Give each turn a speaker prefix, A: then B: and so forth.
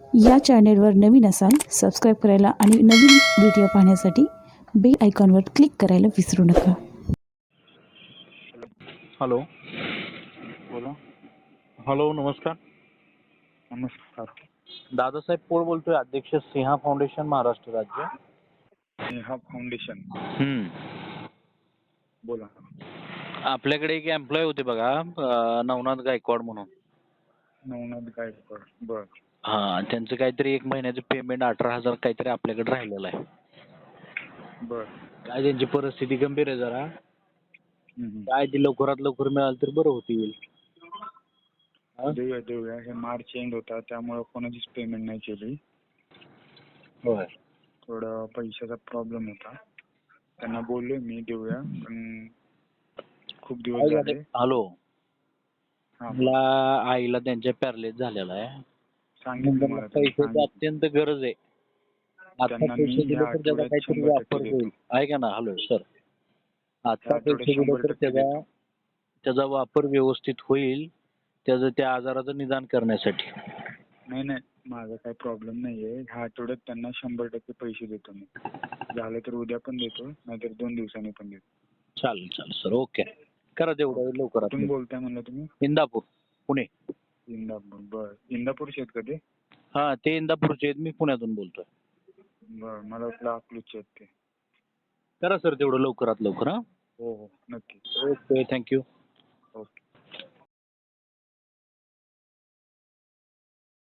A: या चॅनेलवर नवीन असाल सबस्क्राईब करायला आणि नवीन व्हिडिओ पाहण्यासाठी बेल आयकॉनवर क्लिक करायला विसरू नका.
B: हॅलो.
C: बोला.
B: हॅलो, नमस्कार.
C: नमस्कार.
B: दादासाहेब पोळ बोलतोय, अध्यक्ष सिंहा फाउंडेशन महाराष्ट्र राज्य.
C: स्नेहा फाउंडेशन. बोला.
B: आपल्याकडे एक एम्प्लॉय होते बघा, नवनाथ गायकवाड म्हणून.
C: नवनाथ गायकवाड. बर.
B: हा, त्यांचं काहीतरी 1 महिन्याचं पेमेंट 18,000 काहीतरी आपल्याकडे राहिलेलं आहे.
C: बर.
B: काय त्यांची परिस्थिती गंभीर आहे जरा.
C: हम्म.
B: काय ते लवकरात लवकर मिळालं तर बरं होतील.
C: देऊया. हे मार्च एंड होता त्यामुळे कोणाचीच पेमेंट नाही केली.
B: होय.
C: थोडं पैशाचा प्रॉब्लेम होता. त्यांना बोललोय मी देऊया, पण खूप दिवस झाले.
B: हॅलो.
C: हा,
B: मला आईला त्यांच्या पॅरलेस झालेला आहे.
C: सांगितलं मला.
B: पैशाची अत्यंत गरज आहे. आता
C: त्यांना मी
B: पैसे दिले
C: ह्या
B: तर त्याचा
C: आठवड्यात
B: काहीतरी
C: 100%
B: वापर
C: देतो.
B: होईल. ऐका ना. हॅलो सर, आता
C: आठवड्यात
B: पैसे दिले तर
C: 100% देतो.
B: त्याचा वापर व्यवस्थित होईल, त्याचं त्या आजाराचं निदान करण्यासाठी.
C: नाही, माझा काही प्रॉब्लेम नाहीये. ह्या आठवड्यात त्यांना 100% पैसे देतो मी. झालं तर उद्या पण देतो, नाहीतर 2 दिवसांनी पण देतो.
B: चालेल सर. ओके, करा तेवढं लवकरात.
C: कुठून बोलताय म्हणलं तुम्ही?
B: इंदापूर, पुणे.
C: इंदापूर. बर. इंदापूरचे आहेत का ते?
B: हा, ते इंदापूरचे आहेत, मी पुण्यातून बोलतोय.
C: बर. मला वाटलं अकलूजचे आहेत ते.
B: करा सर तेवढं लवकरात लवकर. हा,
C: हो, नक्की.
B: Okay, thank you.
C: ओके.